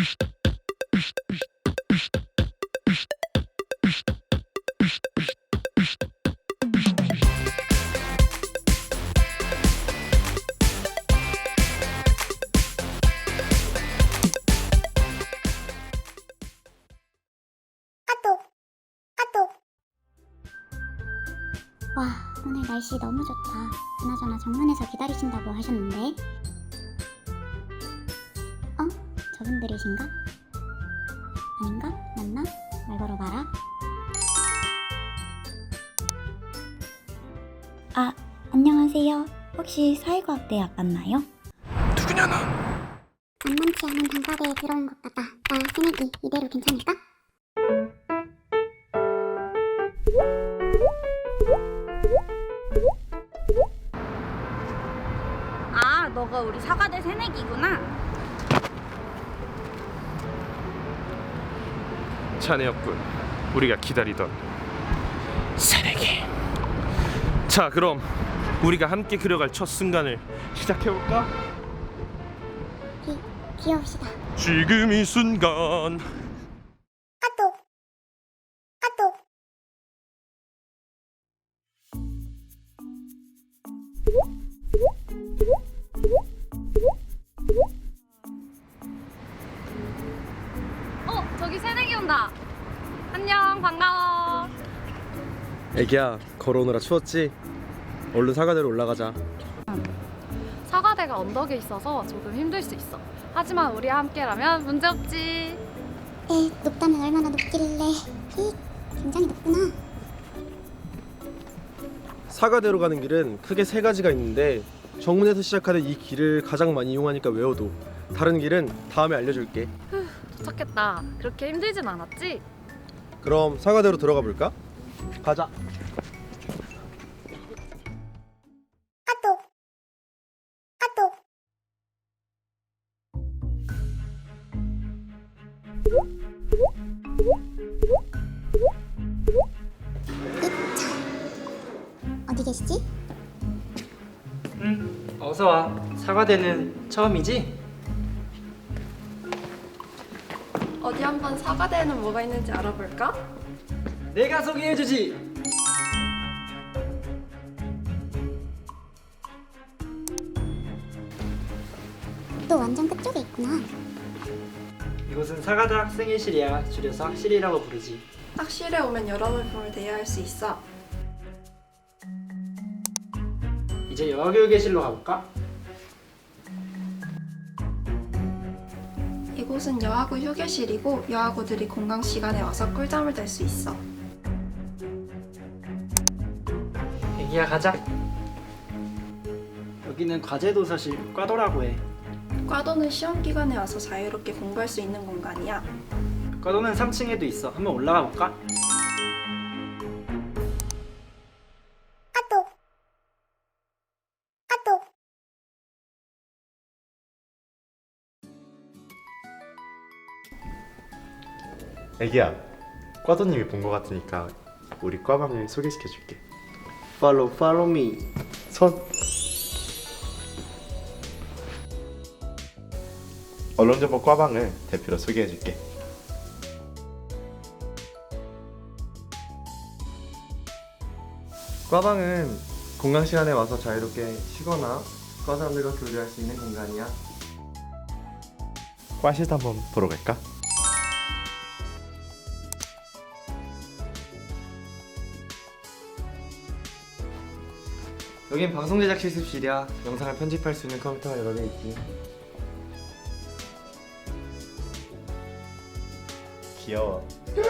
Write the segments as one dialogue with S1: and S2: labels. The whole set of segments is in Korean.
S1: 와, 오늘 날씨 너무 좋다. 그나저나 정문에서 기다리신다고 하셨는데. 저분들이신가? 아닌가? 맞나? 말 걸어봐라. 아, 안녕하세요. 혹시 사회과학대학 맞나요?
S2: 누구냐 넌?
S1: 만만치 않은 단과대에 들어온 것 같다. 나 새내기 이대로 괜찮을까?
S3: 아, 너가 우리 사과대 새내기구나.
S2: 자네였군. 우리가 기다리던 새내기. 자, 그럼 우리가 함께 그려갈 첫 순간을 시작해볼까?
S1: 귀여우시다.
S2: 지금 이 순간.
S3: 저기 새내기 온다. 안녕, 반가워.
S4: 애기야, 걸어오느라 추웠지? 얼른 사과대로 올라가자.
S5: 사과대가 언덕에 있어서 조금 힘들 수 있어. 하지만 우리와 함께라면 문제없지.
S1: 높다면 얼마나 높길래. 굉장히 높구나.
S4: 사과대로 가는 길은 크게 세 가지가 있는데 정문에서 시작하는 이 길을 가장 많이 이용하니까 외워둬. 다른 길은 다음에 알려줄게.
S5: 도착했다. 그렇게 힘들진 않았지?
S4: 그럼 사과대로 들어가 볼까? 가자.
S1: 어디 계시지?
S6: 어서 와. 사과대는 처음이지?
S5: 어디 한번 사과대에는 뭐가 있는지 알아볼까?
S6: 내가 소개해주지.
S1: 또 완전 끝쪽에 있구나.
S6: 이곳은 사과대 학생회실이야. 줄여서 학실이라고 부르지.
S5: 학실에 오면 여러 물품을 대여할 수 있어.
S6: 이제 여학교육회실로 가볼까?
S5: 이곳은 여하고 휴게실이고 여하고들이 공강 시간에 와서 꿀잠을 잘 수 있어.
S6: 애기야, 가자. 여기는 과제도서실 과도라고 해.
S5: 과도는 시험 기간에 와서 자유롭게 공부할 수 있는 공간이야.
S6: 과도는 3층에도 있어. 한번 올라가 볼까?
S7: 애기야, 과도님이 본 것 같으니까 우리 과방을 소개시켜줄게.
S4: Follow me.
S7: 손. 언론정보 과방을 대표로 소개해줄게.
S4: 과방은 공강 시간에 와서 자유롭게 쉬거나 과 사람들과 교류할 수 있는 공간이야.
S7: 과실도 한번 보러 갈까?
S4: 여긴 방송 제작 실습실이야. 영상을 편집할 수 있는 컴퓨터가 여러 개 있지.
S7: 귀여워.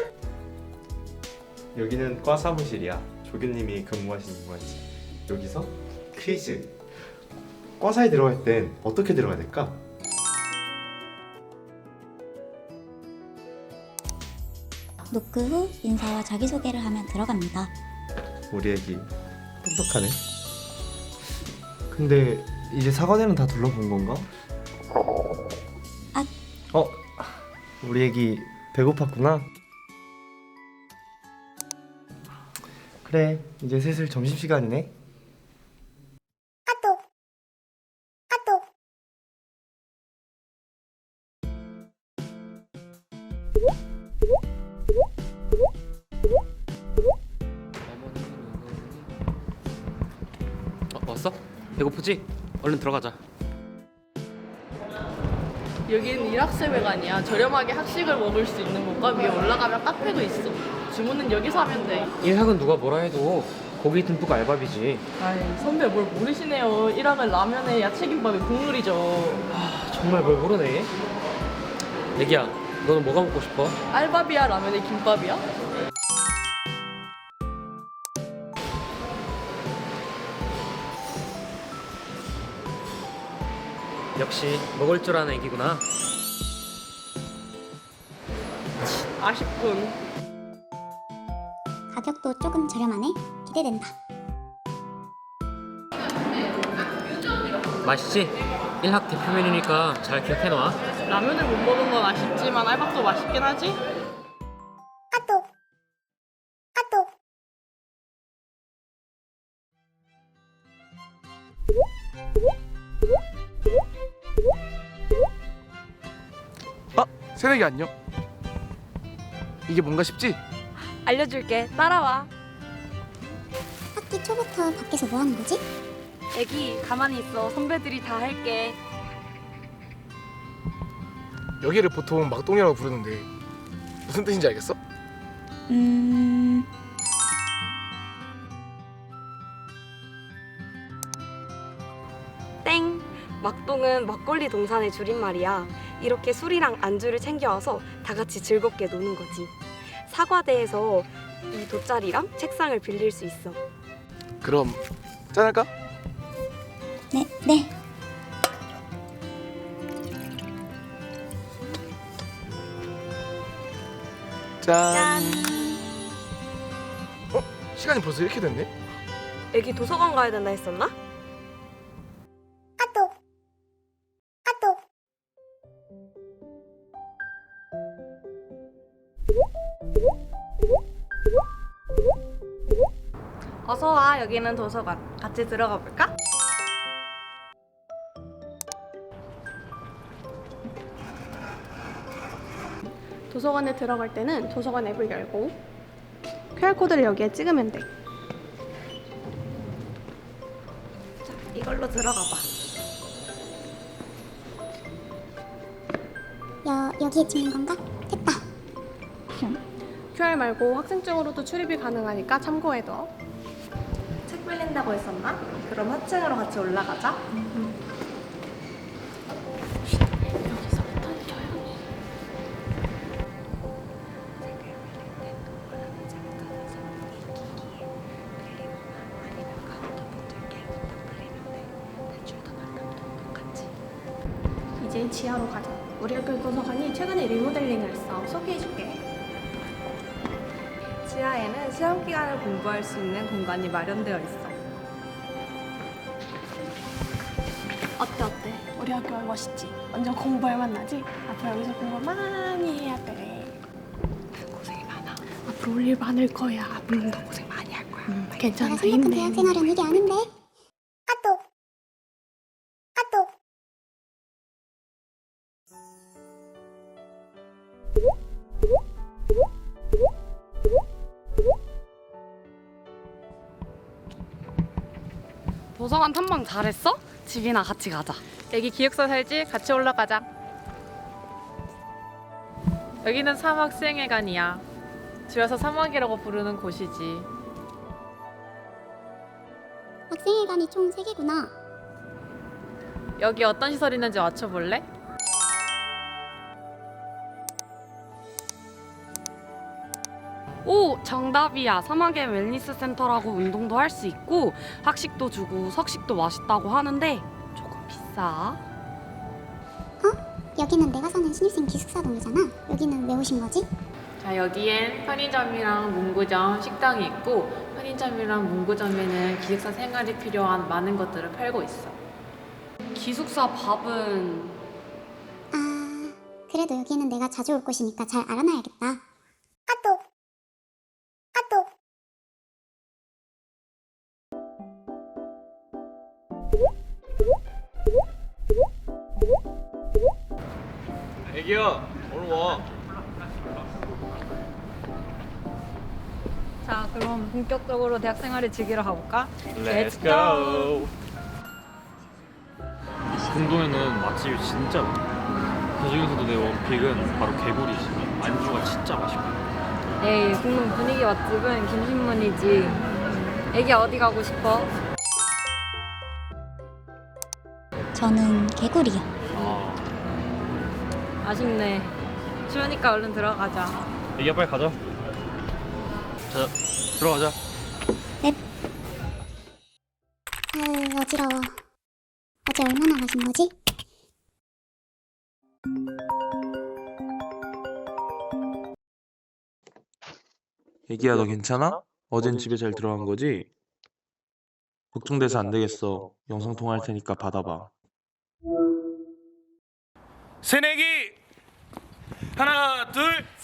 S7: 여기는 과 사무실이야. 조교님이 근무하시는 공간이지. 여기서 퀴즈. 과사에 들어갈 땐 어떻게 들어가야 될까?
S1: 노크 후 인사와 자기소개를 하면 들어갑니다.
S7: 우리 애기 똑똑하네.
S4: 근데 이제 사과대는 다 둘러본 건가? 우리 애기 배고팠구나. 그래, 이제 슬슬 점심시간이네.
S8: 왔어? 배고프지? 얼른 들어가자.
S9: 여기는 일학생회관이야. 저렴하게 학식을 먹을 수 있는 곳과 위에 올라가면 카페도 있어. 주문은 여기서 하면 돼.
S8: 일학은 누가 뭐라 해도 고기 듬뿍 알밥이지.
S9: 아이, 선배 뭘 모르시네요. 일학은 라면에 야채김밥에 국물이죠.
S8: 정말 뭘 모르네. 애기야, 너는 뭐가 먹고 싶어?
S9: 알밥이야, 라면에 김밥이야?
S8: 역시 먹을 줄 아는 애기구나.
S9: 아쉽군.
S1: 가격도 조금 저렴하네. 기대된다.
S8: 맛있지? 일학 대표 메뉴니까 잘 기억해놔.
S9: 라면을 못 먹은 건 아쉽지만 알밥도 맛있긴 하지?
S10: 새내기 안녕. 이게 뭔가 싶지?
S3: 알려줄게. 따라와.
S1: 학기 초부터 밖에서 뭐 하는 거지?
S3: 애기 가만히 있어. 선배들이 다 할게.
S10: 여기를 보통 막동이라고 부르는데 무슨 뜻인지 알겠어?
S3: 땡. 막동은 막걸리 동산의 줄임말이야. 이렇게 술이랑 안주를 챙겨와서 다 같이 즐겁게 노는 거지. 사과대에서 이 돗자리랑 책상을 빌릴 수 있어.
S10: 그럼 짠할까?
S1: 네.
S10: 짠. 시간이 벌써 이렇게 됐네?
S3: 애기 도서관 가야 된다 했었나? 어서 와. 여기는 도서관. 같이 들어가 볼까?
S11: 도서관에 들어갈 때는 도서관 앱을 열고 QR코드를 여기에 찍으면 돼.
S3: 자, 이걸로 들어가 봐.
S1: 여기에 찍는 건가? 됐다.
S11: QR 말고 학생증으로도 출입이 가능하니까 참고해둬.
S3: 책 빌린다고 했었나? 그럼 하층으로 같이 올라가자.
S11: 이제 지하로 가자. 우리 학교 도서관이 최근에 리모델링을 했어. 소개해줄게.
S3: 지하에는 시험 기간을 공부할 수 있는 공간이 마련되어 있어.
S11: 어때? 우리 학교 멋있지? 완전 공부할 만나지? 앞으로 여기서 공부 많이 해야 돼. 고생이 많아. 앞으로 올 일 많을 거야. 물론 너 고생 많이 할 거야. 괜찮아,
S1: 내가 생각한
S11: 힘내.
S1: 대학생활은 이게 아닌데.
S5: 도서관 탐방 잘했어? 집이나 같이 가자.
S9: 애기 기숙사 살지? 같이 올라가자. 여기는 3학생회관이야. 줄여서 3학이라고 부르는 곳이지.
S1: 학생회관이 총 3개구나.
S9: 여기 어떤 시설 있는지 맞춰볼래?
S5: 오, 정답이야. 사막의 웰니스 센터라고 운동도 할 수 있고 학식도 주고 석식도 맛있다고 하는데 조금 비싸.
S1: 여기는 내가 사는 신입생 기숙사 동이잖아. 여기는 왜 오신 거지?
S9: 자, 여기엔 편의점이랑 문구점, 식당이 있고 편의점이랑 문구점에는 기숙사 생활에 필요한 많은 것들을 팔고 있어.
S5: 기숙사 밥은
S1: 그래도 여기는 내가 자주 올 곳이니까 잘 알아놔야겠다.
S2: 애기야, 오늘 와.
S3: 자, 그럼 본격적으로 대학 생활을 즐기러 가볼까?
S2: Let's go.
S8: 궁동에는 맛집이 진짜 많아. 그중에서도 내 원픽은 바로 개구리지. 안주가 진짜 맛있고.
S3: 에이, 공동 분위기 맛집은 김신문이지. 애기 어디 가고 싶어?
S1: 저는 개구리요.
S3: 아쉽네. 추우니까 얼른 들어가자.
S8: 애기야 빨리 가자. 자, 들어가자.
S1: 아유, 어지러워. 어제 얼마나 마신 거지?
S2: 애기야 너 괜찮아? 어젠 집에 잘 들어간 거지? 걱정돼서 안 되겠어. 영상 통화할 테니까 받아봐. 새내기 하나 둘